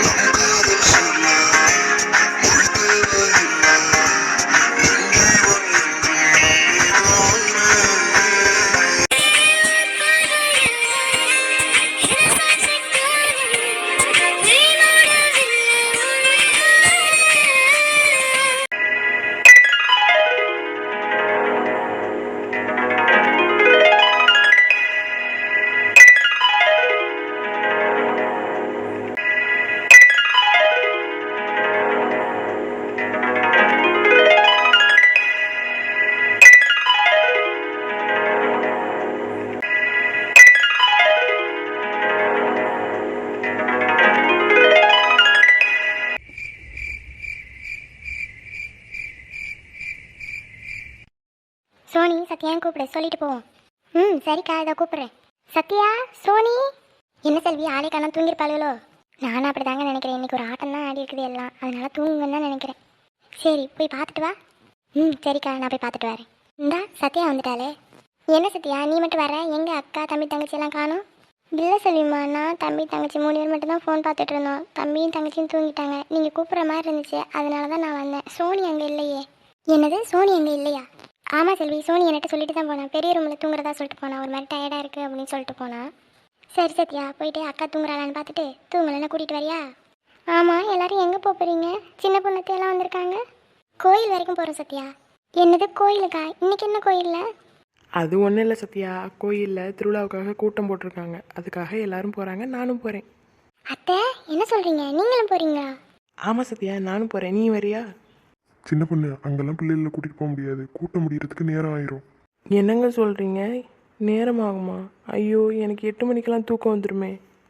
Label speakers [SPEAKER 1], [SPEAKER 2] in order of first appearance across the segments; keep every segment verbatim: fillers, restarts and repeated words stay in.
[SPEAKER 1] Sony சத்யான்னு கூப்பிடு, சொல்லிட்டு போவோம். ம் சரிக்கா, இதை கூப்பிட்றேன். சத்யா, சோனி. என்ன செல்வி, ஆளே காணாம தூங்கிருப்பாளுகளோ? நானும் அப்படி தாங்க நினைக்கிறேன். இன்றைக்கி ஒரு ஆட்டம் தான் ஆடி இருக்குது எல்லாம், அதனால தூங்குங்கன்னு தான் நினைக்கிறேன். சரி போய் பார்த்துட்டு வா. ம் சரிக்கா, நான் போய் பார்த்துட்டு வரேன். இந்தா சத்யா வந்துட்டாளே. என்ன சத்யா நீ மட்டும் வர, எங்கள் அக்கா தம்பி தங்கச்சி எல்லாம் காணும்? இல்லை செல்விமா, நான் தம்பி தங்கச்சி மூணு பேர் மட்டும் தான் ஃபோன் பார்த்துட்டு இருந்தோம். தம்பியும் தங்கச்சியும் தூங்கிட்டாங்க. நீங்கள் கூப்பிட்ற மாதிரி இருந்துச்சு, அதனால தான் நான் வந்தேன். சோனி அங்கே இல்லையே. என்னது, சோனி அங்கே இல்லையா? ஆமாம் செல்வி, சோனி என்கிட்ட சொல்லிட்டு தான் போனான். பெரிய ரூமில் தூங்குறதா சொல்லிட்டு போனான். ஒரு மாதிரி டயர்டாக இருக்குது அப்படின்னு சொல்லிட்டு போனான். சரி சத்யா, போயிட்டு அக்கா தூங்குறாளான்னு பார்த்துட்டு தூங்கலைன்னா கூட்டிகிட்டு வரியா? ஆமாம், எல்லோரும் எங்கே போகிறீங்க? சின்ன பொண்ணத்தையெல்லாம் வந்திருக்காங்க. கோயில் வரைக்கும் போகிறோம் சத்யா. என்னது கோயிலுக்கா? இன்றைக்கி என்ன கோயிலில்?
[SPEAKER 2] அது ஒன்றும் இல்லை சத்யா, கோயிலில் திருவிழாவுக்காக கூட்டம் போட்டிருக்காங்க, அதுக்காக எல்லாரும் போகிறாங்க, நானும் போகிறேன்.
[SPEAKER 1] அத்தை என்ன சொல்கிறீங்க, நீங்களும் போகிறீங்களா?
[SPEAKER 2] ஆமாம் சத்யா, நானும் போகிறேன், நீ வரியா?
[SPEAKER 3] சின்ன பொண்ணு, அங்கெல்லாம் பிள்ளைகளை கூட்டிகிட்டு போக முடியாது, கூட்டம் முடிகிறதுக்கு நேரம் ஆயிரும்.
[SPEAKER 2] என்னங்க சொல்கிறீங்க, நேரம் ஆகுமா? ஐயோ, எனக்கு எட்டு மணிக்கெல்லாம் தூக்கம் வந்துடுமே.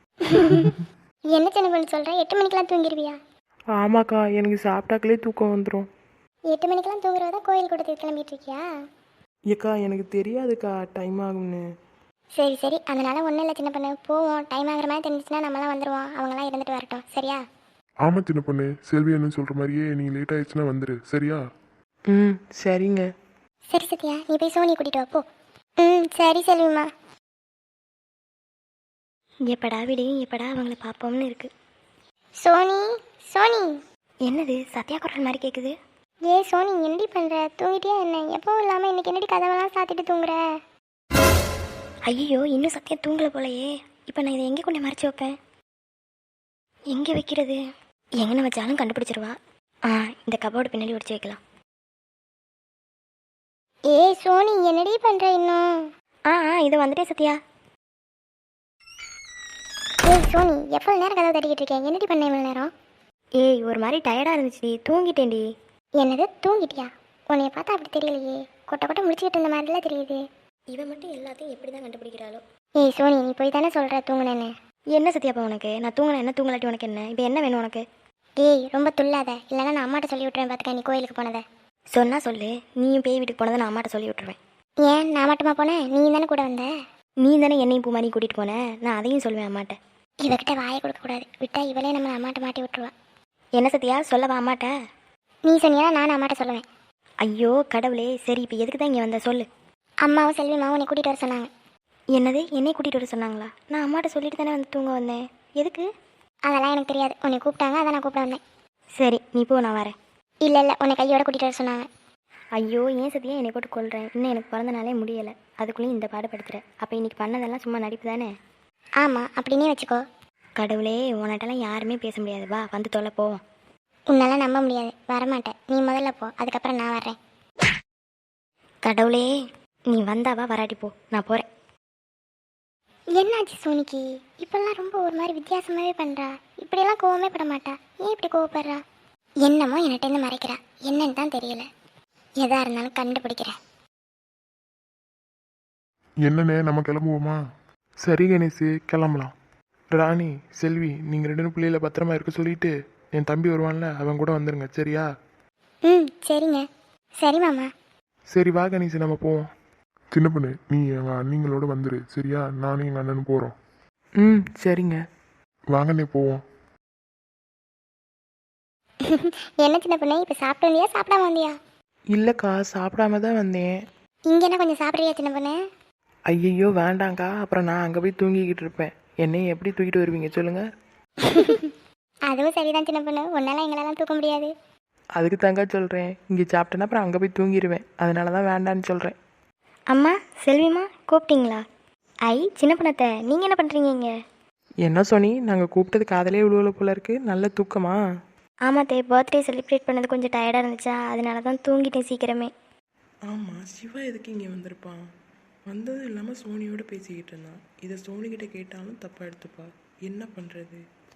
[SPEAKER 1] என்ன சின்ன பொண்ணு சொல்கிறேன், எட்டு மணிக்கெல்லாம் தூங்கிடுவியா?
[SPEAKER 2] ஆமாக்கா, எனக்கு சாப்பிட்டாக்களே தூக்கம் வந்துடும்.
[SPEAKER 1] எட்டு மணிக்கெல்லாம் தூங்குறதா கோயில் கூட்டத்துக்கு கிளம்பிட்டு இருக்கியா?
[SPEAKER 2] ஏக்கா எனக்கு தெரியாதுக்கா டைம் ஆகும்னு.
[SPEAKER 1] சரி சரி, அதனால ஒன்றும் இல்லை சின்ன பொண்ணு, போவோம். டைம் ஆகிற மாதிரி தெரிஞ்சிச்சுன்னா நம்மளாம் வந்துடுவோம், அவங்களாம் இருந்துட்டு வரட்டும், சரியா?
[SPEAKER 3] ஆமாம் சின்ன பொண்ணு, செல்வி என்ன சொல்கிற மாதிரியே நீ லேட் ஆயிடுச்சுன்னா வந்துடு, சரியா?
[SPEAKER 2] ம் சரிங்க.
[SPEAKER 1] சரி சத்யா, நீ போய் சோனி கூட்டிகிட்டு வா போ. ம் சரி செல்விமா. எப்படா விடியும், எப்படா அவங்கள பார்ப்போம்னு இருக்கு. சோனி, சோனி. என்னது சத்யா குரல் மாதிரி கேட்குது? ஏ சோனி, என்னடி பண்ணுற, தூங்கிட்டியா என்ன? எப்பவும் இல்லாமல் இன்னைக்கு என்னடி கதவெல்லாம் சாத்திட்டு தூங்குற? ஐயோ, இன்னும் சத்யா தூங்கலை போலையே. இப்போ நான் இதை எங்கே கொண்டு மறைச்சி வைப்பேன்? எங்கே வைக்கிறது? எங்கே வச்சாலும் கண்டுபிடிச்சிருவா. ஆ, இந்த கபோர்டு பின்னாடி ஒடிச்சு வைக்கலாம். ஏய் சோனி, என்னடி பண்ணுற இன்னும்? ஆ ஆ இதை வந்துட்டே சத்யா. ஏய் சோனி, எவ்வளோ நேரம் கதவை தட்டிக்கிட்டு இருக்கேன், என்னடி பண்ண இவ்வளோ நேரம்? ஏய் ஒரு மாதிரி டயர்டாக இருந்துச்சுடி, தூங்கிட்டேன்டி. என்னது தூங்கிட்டியா? உன்னைய பார்த்தா அப்படி தெரியலையே, கொட்டை கொட்டை முடிச்சுக்கிட்டு இருந்த மாதிரிலாம் தெரியுது. இவன் மட்டும் எல்லாத்தையும் எப்படி தான் கண்டுபிடிக்கிறாளோ? ஏய் சோனி, நீ போய் தானே சொல்கிற தூங்குனேன்னு. என்ன சத்யாப்பா உனக்கு? நான் தூங்கினேன் என்ன, தூங்கலாட்டி உனக்கு என்ன? இப்போ என்ன வேணும் உனக்கு? ஏய் ரொம்ப துள்ளாத, இல்லைன்னா நான் அம்மாட்ட சொல்லி விட்டுறேன் பார்த்துக்க. நீ கோயிலுக்கு போனதை சொன்னா சொல்லு, நீயும் பேய் வீட்டுக்கு போனதை நான் அம்மாட்ட சொல்லி விட்டுருவேன். ஏன் நான் மட்டுமா போனேன்? நீ தானே கூட வந்த. நீ தானே என்னையும் பூ மாதிரி கூட்டிகிட்டு போனேன், நான் அதையும் சொல்லுவேன் அம்மாட்ட. இவகிட்ட வாயை கொடுக்கக்கூடாது, விட்டா இவளே நம்ம அம்மாட்ட மாட்டி விட்டுருவா. என்ன சத்யா, சொல்லவா அம்மாட்ட? நீ சொன்னியா நான் அம்மாட்ட சொல்லுவேன். ஐயோ கடவுளே, சரி இப்போ எதுக்கு தான் இங்கே வந்த சொல்லு. அம்மாவும் செல்விமாவும் உன்னை கூட்டிகிட்டு வர சொன்னாங்க. என்னது, என்னை கூட்டிகிட்டு வர சொன்னாங்களா? நான் அம்மாட்ட சொல்லிட்டு தானே வந்து தூங்க வந்தேன், எதுக்கு? அதெல்லாம் எனக்கு தெரியாது, உன்னை கூப்பிட்டாங்க அதான் நான் கூப்பிட வந்தேன். சரி நீ போ, நான் வரேன். இல்லை இல்லை, உன்னை கையோட கூட்டிகிட்டு வர சொன்னாங்க. ஐயோ ஏன் சத்தியா என்னை போட்டு கொள்கிறேன், இன்னும் எனக்கு பிறந்த நாளே முடியலை, அதுக்குள்ளேயும் இந்த பாடுபடுத்துகிறேன். அப்போ இன்றைக்கி பண்ணதெல்லாம் சும்மா நடிப்பு தானே? ஆமாம் அப்படின்னே வச்சுக்கோ. கடவுளே, உன்கிட்டலாம் யாருமே பேச முடியாது, வா வந்து தொலை போவோம். உன்னெல்லாம் நம்ப முடியாது, வரமாட்டேன். நீ முதல்ல போ, அதுக்கப்புறம் நான் வர்றேன். கடவுளே, நீ வந்தாவா வராட்டி போ, நான் போகிறேன். என்னாச்சு சோனிக்கு? இப்பெல்லாம் ரொம்ப ஒரு மாதிரி வித்தியாசமாகவே பண்ணுறா. இப்படியெல்லாம் கோவமே பட மாட்டா, ஏன் இப்படி கோவப்படுறா? என்னமோ என்கிட்டேருந்து மறைக்கிறா, என்னன்னு தான் தெரியல. எதா இருந்தாலும் கண்டுபிடிக்கிறேன்.
[SPEAKER 3] என்னண்ணே, நம்ம கிளம்புவோமா?
[SPEAKER 2] சரி கணேஷ், கிளம்பலாம். ராணி, செல்வி, நீங்கள் ரெண்டு பிள்ளைகளை பத்திரமா இருக்க சொல்லிட்டு என் தம்பி வருவான்ல, அவன் கூட வந்துடுங்க, சரியா?
[SPEAKER 1] ம் சரிங்க. சரி மாமா.
[SPEAKER 2] சரி வா கணேஷ், நம்ம போவோம்.
[SPEAKER 3] சின்ன பொண்ணு, நீ எங்கள் அண்ணிங்களோட வந்துடு, சரியா? நானும் எங்கள் அண்ணனும் போகிறோம்.
[SPEAKER 2] ம் சரிங்க.
[SPEAKER 3] வாங்கண்ணே போவோம்.
[SPEAKER 1] என்ன சின்ன பொண்ணு, இப்போ சாப்பிட்டு வந்தியா சாப்பிடாம வந்தியா?
[SPEAKER 2] இல்லைக்கா, சாப்பிடாம தான் வந்தேன்.
[SPEAKER 1] இங்கே என்ன கொஞ்சம் சாப்பிட்றியா சின்ன பொண்ணு?
[SPEAKER 2] ஐயையோ வேண்டாங்க்கா, அப்புறம் நான் அங்கே போய் தூங்கிக்கிட்டு இருப்பேன். என்னையும் எப்படி தூக்கிட்டு வருவீங்க சொல்லுங்கள்?
[SPEAKER 1] அதுவும் சரிதான் சின்ன பொண்ணு, உன்னால எங்களெல்லாம் தூக்க முடியாது.
[SPEAKER 4] அதுக்கு தாங்க சொல்கிறேன், இங்கே சாப்பிட்டேன்னா அப்புறம் அங்கே போய் தூங்கிடுவேன். அதனால தான் வேண்டான்னு சொல்கிறேன்.
[SPEAKER 1] அம்மா, செல்விம்மா கூப்பிட்டீங்களா? ஐ சின்ன பொண்ணத்தை, நீங்கள் என்ன பண்ணுறீங்க இங்கே?
[SPEAKER 4] என்ன சொன்னி, நாங்கள் கூப்பிட்டது காதலே விழுவல போல இருக்கு. நல்ல தூக்கமா?
[SPEAKER 1] ஆமாம் தே, பர்த்டே செலிப்ரேட் பண்ணது கொஞ்சம் டயர்டாக இருந்துச்சா, அதனால தான் தூங்கிட்டேன் சீக்கிரமே.
[SPEAKER 4] ஆமாம், சிவா எதுக்கு இங்கே வந்திருப்பான்? வந்ததும் இல்லாமல் சோனியோட பேசிக்கிட்டு இருந்தான். இதை சோனிக்கிட்ட கேட்டாலும் தப்பாக எடுத்துப்பா. என்ன பண்ணுறது?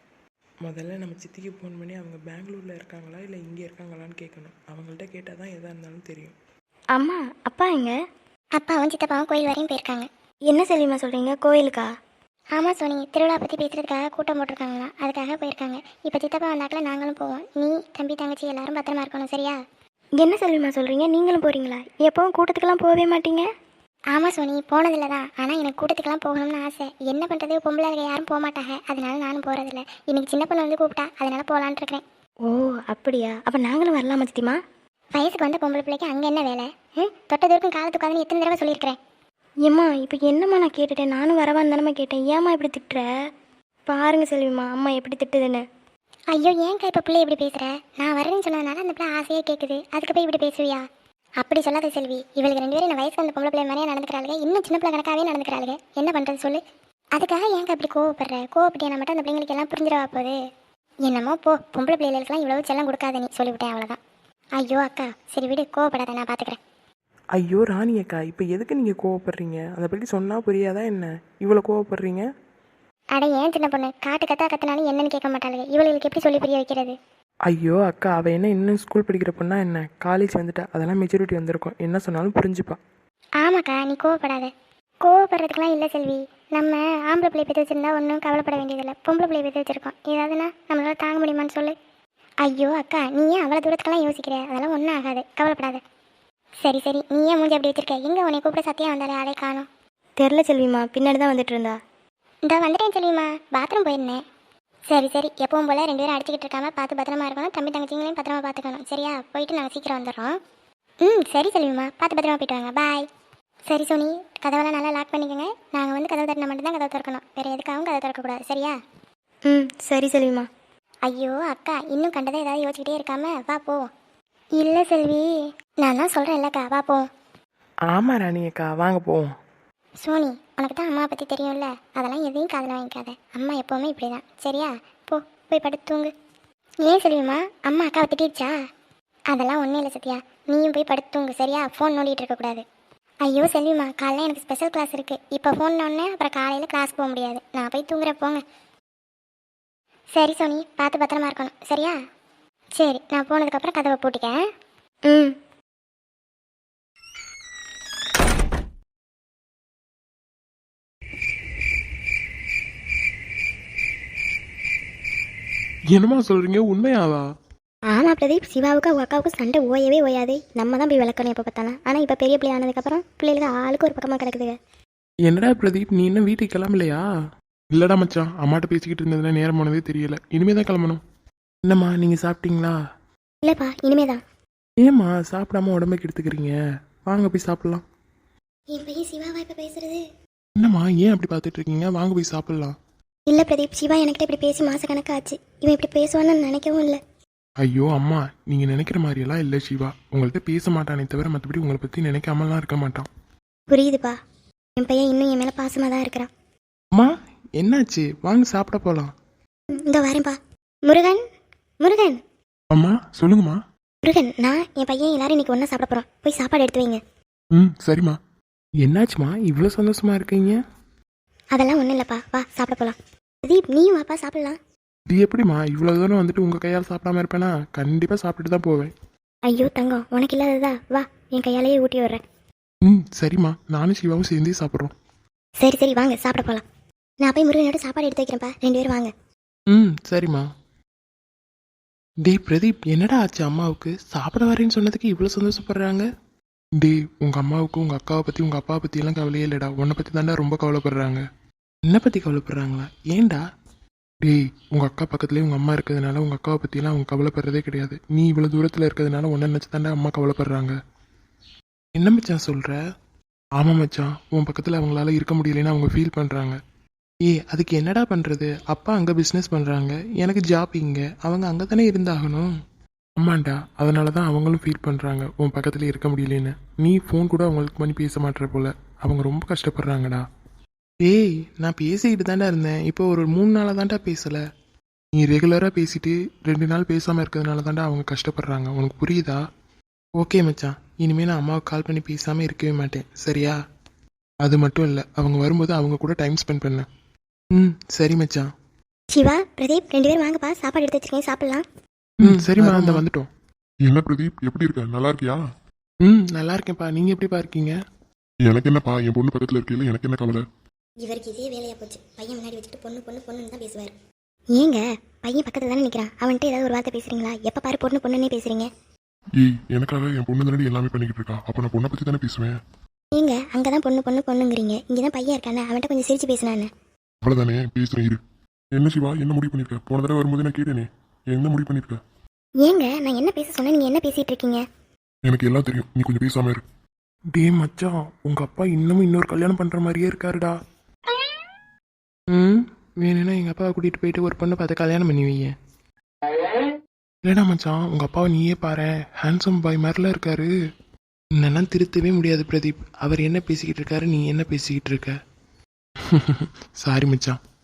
[SPEAKER 4] முதல்ல நம்ம சித்திக்கு ஃபோன் பண்ணி அவங்க பெங்களூரில் இருக்காங்களா இல்லை இங்கே இருக்காங்களான்னு கேட்கணும். அவங்கள்ட்ட கேட்டால் தான் எதாக இருந்தாலும் தெரியும்.
[SPEAKER 1] அம்மா, அப்பா எங்க? அப்பாவும் சித்தப்பாவும் கோயில் வரையும் போயிருக்காங்க. என்ன செல்விமா சொல்கிறீங்க, கோயிலுக்கா? ஆமாம் சோனி, திருவிழா பற்றி பேசுகிறதுக்காக கூட்டம் போட்டிருக்காங்களா, அதுக்காக போயிருக்காங்க. இப்போ சித்தப்பா வந்தாக்கில் நாங்களும் போவோம். நீ தம்பி தங்கச்சி எல்லாரும் பத்திரமா இருக்கணும், சரியா? என்ன செல்விமா சொல்கிறீங்க, நீங்களும் போகிறீங்களா? எப்பவும் கூட்டத்துக்கெல்லாம் போகவே மாட்டீங்க. ஆமாம் சோனி, போனதில்லை தான். ஆனால் எனக்கு கூட்டத்துக்கெல்லாம் போகணும்னு ஆசை. என்ன பண்ணுறது, பொம்பளை இருக்க யாரும் போக மாட்டாங்க, அதனால நானும் போகிறதில்ல. இன்னைக்கு சின்ன பொண்ணு வந்து கூப்பிட்டா, அதனால போகலான்ட்டு இருக்கிறேன். ஓ அப்படியா, அப்போ நாங்களும் வரலாமா சித்திமா? வயசுக்கு வந்த பொம்பளை பிள்ளைக்கு அங்கே என்ன வேலை? ம் தொட்டதற்கும் காலத்துக்காதுன்னு எத்தனை தடவை சொல்லியிருக்கிறேன். ஏம்மா இப்போ என்னம்மா நான் கேட்டுட்டேன், நானும் வரவான்னு தானம்மா கேட்டேன். ஏம்மா இப்படி திட்டுற? பாருங்க செல்விம்மா, அம்மா எப்படி திட்டுதுன்னு. ஐயோ ஏன்க்கா இப்போ பிள்ளை இப்படி பேசுகிற? நான் வரேன்னு சொன்னதுனால அந்த பிள்ளை ஆசையாக கேட்குது, அதுக்கு போய் இப்படி பேசுவியா? அப்படி சொல்லாத செல்வி, இவளுக்கு ரெண்டு பேரும் இந்த வயசுக்கு அந்த பொம்பளை பிள்ளை மாதிரியே நடந்துக்கிறாளுங்க, இன்னும் சின்ன பிள்ளை கணக்காகவே நடந்துக்கிறாளுங்க. என்ன பண்ணுறது சொல்லு? அதுக்காக ஏன்க்கா அப்படி கோவப்படுற? கோவப்பட்டியா மட்டும் அந்த பிள்ளைங்களுக்கு எல்லாம் புரிஞ்சிடவா போகுது? என்னமோ போ, பொம்பளை பிள்ளைகளுக்கெல்லாம் இவ்வளவு செல்லம் கொடுக்காத நீ, சொல்லிவிட்டேன் அவ்வளோதான். ஐயோ அக்கா, சரி விடு, கோவப்படாத, நான் பார்த்துக்கிறேன்.
[SPEAKER 4] ஐயோ ராணி அக்கா, இப்போ எதுக்கு நீங்கள் கோவப்படுறீங்க? அதை பற்றி சொன்னால் புரியாதா என்ன இவ்வளோ கோவப்படுறீங்க?
[SPEAKER 1] அட ஏன் சின்ன பொண்ணு, காட்டு கத்தா கத்தினாலும் என்னன்னு கேட்க மாட்டாளுங்க. இவளுக்கு எப்படி சொல்லி புரிய வைக்கிறது?
[SPEAKER 4] ஐயோ அக்கா, அவள் என்ன இன்னும் ஸ்கூல் படிக்கிற பொண்ணா என்ன? காலேஜ் வந்துட்டா, அதெல்லாம் மெச்சூரிட்டி வந்திருக்கும். என்ன சொன்னாலும் புரிஞ்சுப்பா.
[SPEAKER 1] ஆமாக்கா, நீ கோவப்படாத. கோவப்படுறதுக்கெலாம் இல்லை செல்வி. நம்ம ஆம்பளை பிள்ளை பெற்று வச்சிருந்தா ஒன்றும் கவலைப்பட வேண்டியதில்லை. பொம்பளை பிள்ளை பெற்று வச்சிருக்கோம், ஏதாவதுன்னா நம்மளால தாங்க முடியுமான்னு சொல்லு. ஐயோ அக்கா, நீ ஏன் அவ்வளோ தூரத்துக்கெல்லாம் யோசிக்கிற? அதெல்லாம் ஒன்றும் ஆகாது, கவலைப்படாத. சரி சரி, நீ ஏன் மூஞ்சி அப்படி வச்சிருக்க? எங்கே உன்னை கூப்பிட சத்தியம் வந்தாலே ஆளே காணும். தெரில செல்விமா, பின்னாடி தான் வந்துட்டு இருந்தா. இந்த வந்துட்டேன் செல்விமா, பாத்ரூம் போயிருந்தேன். சரி சரி, எப்பவும் போல் ரெண்டு பேரும் அடிச்சுக்கிட்டு இருக்காம பார்த்து பத்திரமா இருக்கணும். தம்பி தங்கச்சிங்களையும் பத்திரமா பார்த்துக்கணும், சரியா? போயிட்டு நாங்கள் சீக்கிரம் வந்துடுறோம். ம் சரி செல்விமா, பார்த்து பத்திரமா போயிட்டு வாங்க, பாய். சரி சோனி, கதவெல்லாம் நல்லா லாக் பண்ணிக்கோங்க. நாங்கள் வந்து கதவு தட்டினா மட்டும்தான் கதவு திறக்கணும், வேறு எதுக்காகவும் கதவு திறக்கக்கூடாது, சரியா? ம் சரி செல்விமா. ஐயோ அக்கா, இன்னும் கண்டதை ஏதாவது யோசிச்சுக்கிட்டே இருக்காம வா போ. இல்லை செல்வி, நான் தான் சொல்கிறேன் இல்லைக்கா, வா போ.
[SPEAKER 4] ஆமாம் ராணி அக்கா, வாங்க போவோம்.
[SPEAKER 1] சோனி, உனக்கு தான் அம்மாவை பற்றி தெரியும்ல, அதெல்லாம் எதையும் காதில் வாங்கிக்காத. அம்மா எப்போவுமே இப்படி தான், சரியா? போ, போய் படுத்து தூங்கு. ஏன் செல்விமா, அம்மா அக்காவை திட்டிடுச்சா? அதெல்லாம் ஒன்றும் இல்லை சத்யா, நீயும் போய் படுத்து தூங்கு, சரியா? ஃபோன் நோண்டிகிட்டு இருக்கக்கூடாது. ஐயோ செல்விமா, காலையில் எனக்கு ஸ்பெஷல் கிளாஸ் இருக்குது. இப்போ ஃபோன் நோண்டனே அப்புறம் காலையில் கிளாஸ் போக முடியாது. நான் போய் தூங்குறேன், போங்க. சரி சோனி, பார்த்து பத்திரமா இருக்கணும், சரியா? சரி, நான் போனதுக்கப்புறம் கதவை பூட்டிக்கேன். ம்
[SPEAKER 2] என்னம்மா சொல்கிறீங்க, உண்மையாவா?
[SPEAKER 1] ஆமாம் பிரதீப், சிவாவுக்கு அவங்க அக்காவுக்கு சண்டை ஓயவே ஓயாது. நம்ம தான் போய் விளக்கணும் எப்போ பார்த்தாலும். ஆனால் இப்போ பெரிய பிள்ளை ஆனதுக்கப்புறம் பிள்ளைகளுக்கு ஆளுக்கு ஒரு பக்கமாக கிடக்குதுங்க.
[SPEAKER 2] என்னடா பிரதீப், நீ இன்னும் வீட்டுக்கு கிளம்பலையா? இல்லடா மச்சான், அம்மாட்ட பேசிக்கிட்டு இருந்ததுல நேரம் போனதே தெரியல. இனிமே தான் கிளம்பணும்.
[SPEAKER 4] என்னம்மா, நீங்கள் சாப்பிட்டீங்களா?
[SPEAKER 1] இல்லைப்பா, இனிமே தான்.
[SPEAKER 4] ஏம்மா சாப்பிடாம உடம்புக்கு எடுத்துக்கிறீங்க? வாங்க போய் சாப்பிட்லாம்.
[SPEAKER 1] என் பையன் சிவாவா இப்போ பேசுறது?
[SPEAKER 2] என்னம்மா ஏன் அப்படி பார்த்துட்டு இருக்கீங்க? வாங்க போய் சாப்பிட்லாம்.
[SPEAKER 1] இல்லை பிரதீப், சிவா என்கிட்ட இப்படி பேசி மாச கணக்காச்சு. இவன் இப்படி பேசுவான்னு நினைக்கவும் இல்லை.
[SPEAKER 2] ஐயோ அம்மா, நீங்கள் நினைக்கிற மாதிரியெல்லாம் இல்லை சிவா. உங்கள்கிட்ட பேச மாட்டானே தவிர மற்றபடி உங்களை பற்றி நினைக்காமலாம் இருக்க மாட்டான்.
[SPEAKER 1] புரியுதுப்பா, என் பையன் இன்னும் என் மேலே பாசமாக தான் இருக்கிறான்.
[SPEAKER 2] அம்மா என்னாச்சு? வாங்க சாப்பிட போகலாம்.
[SPEAKER 1] இந்த வரேன்ப்பா. முருகன், முருகன்,
[SPEAKER 2] அம்மா சொல்லுங்கம்மா.
[SPEAKER 1] முருகன், நான் என் பையன் எல்லாரும் இன்னைக்கு ஒன்றா சாப்பிட போகிறோம். போய் சாப்பாடு எடுத்து வைங்க.
[SPEAKER 2] ம் சரிம்மா.
[SPEAKER 4] என்னாச்சுமா இவ்வளோ சந்தோஷமா இருக்கீங்க?
[SPEAKER 1] அதெல்லாம் ஒன்றும் இல்லைப்பா, வா சாப்பிட போகலாம். பிரதீப், நீயும் வாப்பா சாப்பிடலாம்.
[SPEAKER 2] இது எப்படிம்மா இவ்வளோ தூரம் வந்துட்டு உங்கள் கையால் சாப்பிடாம இருப்பேனா? கண்டிப்பாக சாப்பிட்டுட்டு தான் போவேன்.
[SPEAKER 1] ஐயோ தங்கம், உனக்கு இல்லாததா? வா, என் கையாலேயே ஊட்டி விடுறேன்.
[SPEAKER 2] ம் சரிம்மா, நானும் சிவாவும் சேர்ந்தே சாப்பிட்றோம்.
[SPEAKER 1] சரி சரி, வாங்க சாப்பிட போகலாம். நான் போய் முருகனோட சாப்பாடு எடுத்து வைக்கிறேன்ப்பா, ரெண்டு பேரும் வாங்க.
[SPEAKER 4] ம் சரிம்மா. டேய் பிரதீப், என்னடா ஆச்சு அம்மாவுக்கு? சாப்பிட வரேன்னு சொன்னதுக்கு இவ்வளோ சந்தோஷப்படுறாங்க.
[SPEAKER 2] டேய், உங்கள் அம்மாவுக்கு உங்கள் அக்காவை பற்றி உங்கள் அப்பாவை பற்றியெல்லாம் கவலையே இல்லைடா. உன்னை பற்றி தாண்டா ரொம்ப கவலைப்படுறாங்க.
[SPEAKER 4] என்னை பற்றி கவலைப்படுறாங்களா? ஏன்டா?
[SPEAKER 2] டேய், உங்கள் அக்கா பக்கத்துலேயே உங்கள் அம்மா இருக்கிறதுனால உங்கள் அக்காவை பற்றியெல்லாம் அவங்க கவலைப்படுறதே கிடையாது. நீ இவ்வளோ தூரத்தில் இருக்கிறதுனால உன்னை நினச்சி தாண்டா அம்மா கவலைப்படுறாங்க.
[SPEAKER 4] என்ன மச்சான் சொல்கிற?
[SPEAKER 2] ஆமாம் மச்சான், உன் பக்கத்தில் அவங்களால இருக்க முடியலைன்னு அவங்க ஃபீல் பண்ணுறாங்க. ஏய் அதுக்கு என்னடா பண்ணுறது? அப்பா அங்கே பிஸ்னஸ் பண்ணுறாங்க, எனக்கு ஜாப் இங்கே, அவங்க அங்கே தானே இருந்தாகணும். ஆமாண்டா, அதனால தான் அவங்களும் ஃபீல் பண்ணுறாங்க உன் பக்கத்தில் இருக்க முடியலன்னு. நீ ஃபோன் கூட அவங்களுக்கு பண்ணி பேச மாட்டேற போல. அவங்க ரொம்ப கஷ்டப்படுறாங்கடா. ஏய் நான் பேசிக்கிட்டு தாண்டா இருந்தேன், இப்போ ஒரு மூணு நாளாக தாண்டா பேசலை. நீ ரெகுலராக பேசிட்டு ரெண்டு நாள் பேசாமல் இருக்கிறதுனால தாண்டா அவங்க கஷ்டப்படுறாங்க, உனக்கு புரியுதா? ஓகே மச்சான், இனிமேல் நான் அம்மாவுக்கு கால் பண்ணி பேசாமல் இருக்கவே மாட்டேன், சரியா? அது மட்டும் இல்லை, அவங்க வரும்போது அவங்க கூட டைம் ஸ்பெண்ட் பண்ண. ம் சரி மச்சான்.
[SPEAKER 1] சிவா, பிரதீப் ரெண்டு பேரும் வாங்கப்பா, சாப்பாடு எடுத்து வச்சிருக்கேன், சாப்பிடலாம்.
[SPEAKER 2] ம் சரிம்மா, அந்த வந்துட்டோம்.
[SPEAKER 3] என்ன பிரதீப், எப்படி இருக்க? நல்லா இருக்கியா?
[SPEAKER 2] ம் நல்லா இருக்கேன்ப்பா, நீங்கள் எப்படிப்பா இருக்கீங்க?
[SPEAKER 3] எனக்கு என்னப்பா, என் பொண்ணு பக்கத்தில் இருக்கையில எனக்கு என்ன கவலை?
[SPEAKER 1] இவருக்கு இதே வேலையா போச்சு, பையன் முன்னாடி வச்சுட்டு பொண்ணு பொண்ணு பொண்ணுன்னு தான் பேசுவார். ஏங்க பையன் பக்கத்துல தானே நிற்கிறான், அவன்கிட்ட ஏதாவது ஒரு வார்த்தை பேசுறீங்களா? எப்போ பாரு பொண்ணு பொண்ணுன்னே பேசுறீங்க.
[SPEAKER 3] ஏய், எனக்காக என் பொண்ணு தானடி எல்லாமே பண்ணிக்கிட்டு இருக்கா, அப்போ நான் பொண்ணை பற்றி தானே பேசுவேன்.
[SPEAKER 1] ஏங்க அங்கே தான் பொண்ணு பொண்ணு பொண்ணுங்கிறீங்க, இங்கே தான் பையன் இருக்கானே, அவன்கிட்ட கொஞ்சம் சிரிச்சு பேசினானே.
[SPEAKER 3] அவ்வளோதானே, பேசுகிறேன் இரு. என்ன சிவா, என்ன முடிவு பண்ணியிருக்க? போன தடவை வரும்போது நான் கேட்டேனே, என்ன முடிவு பண்ணியிருக்க?
[SPEAKER 1] ஏங்க நான் என்ன பேச சொன்னேன், நீங்கள் என்ன பேசிட்டு இருக்கீங்க?
[SPEAKER 3] எனக்கு எல்லாம் தெரியும், நீ கொஞ்சம் பேசாம இரு.
[SPEAKER 2] டே மச்சான், உங்கள் அப்பா இன்னமும் இன்னொரு கல்யாணம் பண்ணுற மாதிரியே இருக்காருடா. ம் வேணும்னா எங்கள் அப்பாவை கூட்டிகிட்டு போயிட்டு ஒரு பொண்ணை பார்த்து கல்யாணம் பண்ணி வைங்க. இல்லைடா மச்சான், உங்கள் அப்பாவை நீயே பாரு, ஹேண்ட்ஸம் பாய் மாதிரிலாம் இருக்காரு. என்னெல்லாம் திருத்தவே முடியாது பிரதீப், அவர் என்ன பேசிக்கிட்டு இருக்காரு, நீ என்ன பேசிக்கிட்டு இருக்க? சாரி மச்சான்.